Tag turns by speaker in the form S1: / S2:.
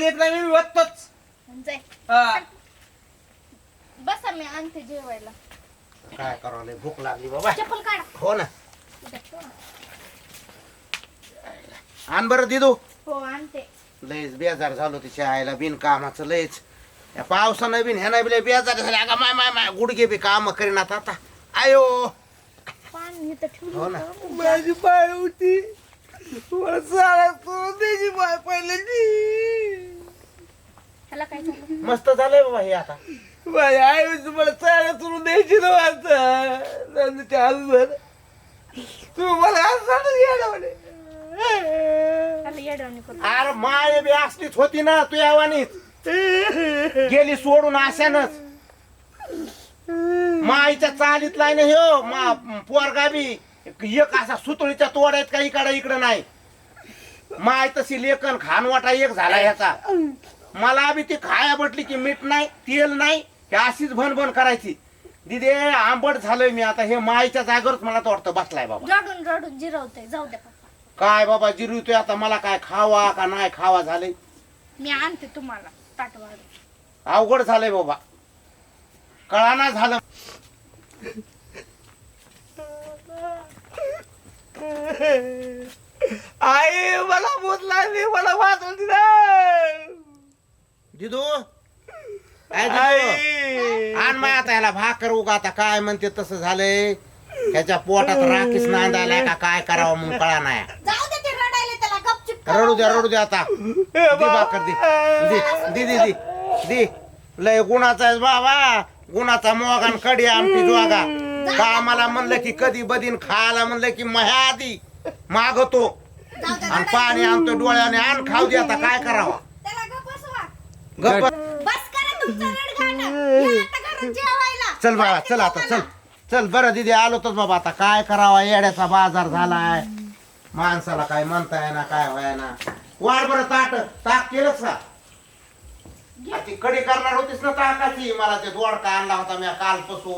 S1: येत नाही मी वततोच.
S2: जाय
S1: हा.
S2: बसा मी आणते जेवायला.
S3: काय करावं लय भूक लागली बाबा.
S2: चप्पल काढा.
S3: हो ना
S2: इथं ठेवा.
S3: आण बरं दिदू.
S2: हो आणते.
S3: लयच बेजार झालो तिच्या आईला बिन कामाचं लयच. या पावसानं बिन ह्यानं बी लय बेजार झाले. अगं माय माय माय गुडघे बी काम करीनात आता. आयो
S2: पाणी इथं ठेवलं
S3: हो ना.
S2: होतं.
S1: माझी पाय होती मला सारा सोडून द्यायची पाय पहिल्याची.
S2: ह्याला काय झालं?
S3: मस्त झालंय बाबा हे आता.
S1: माझ्या आई होती मला सारा सोडून द्यायची ना आता आजूबर तू मला असं घ्यायला म्हणे.
S2: ह्याला येडवणी करू.
S3: अरे माय बी असलीच होती ना तू यावानीच गेली सोडून अशानच. माईच्या चालीतला नाही हो मा पोरगा बी एक असा सुतळीच्या तोड्यात काही इकडं नाही. माय तशी लेखन खानवाटा एक झाला ह्याचा. मला बी ती खाया बटली की मीठ नाही तेल नाही हे अशीच भनभन करायची. दिदे आंबट झालोय मी आता. हे माईच्या जागेवरच मला तर वाटतं बसलाय बाबा.
S2: रडून रडून जिरवते. जाऊ द्या पप्पा.
S3: काय बाबा जिरवतोय आता. मला काय खावा का नाही खावा झालंय.
S2: मी आणते तुम्हाला ताटवाड.
S3: अवघड झालंय बाबा. कळाना झालं.
S1: आई मला भूत लागली मला वाचवून दिला.
S3: दिदू काय दिदू? आण माय आता ह्याला भाकर उगा. आता काय म्हणते तसं झालंय. ह्याच्या पोटात राखीच नांदायला का काय करावं मग कळा नाही.
S2: जाऊ दे ते रडायला त्याला गपचूप.
S3: रडू दे आता. दे भाकर दे दे लय गुणाचा आहे बाबा. गुणाचा मोगान कडी आमटी जोगा. का मला म्हणलं की कधी बदीन खायला म्हणलं की मह्या आधी मागतो आणि पाणी आणतो डोळ्याने. आण खाऊ दे आता काय करावा.
S2: त्याला गप बसवा.
S3: गप्प
S2: बस करा तुमचं रडगाणं. या आता घरात जेवायला.
S3: चल बाळा चल आता चल चल. बरं दिदी आलो तर बाबा. आता काय करावा. येड्याचा बाजार झालाय. माणसाला काय म्हणता येणार काय व्हायना. वाढ बरं ताक केलंच का. ती कडी करणार होतीस ना ताकाची. मला ते दोडका आणला होता मी कालपासून.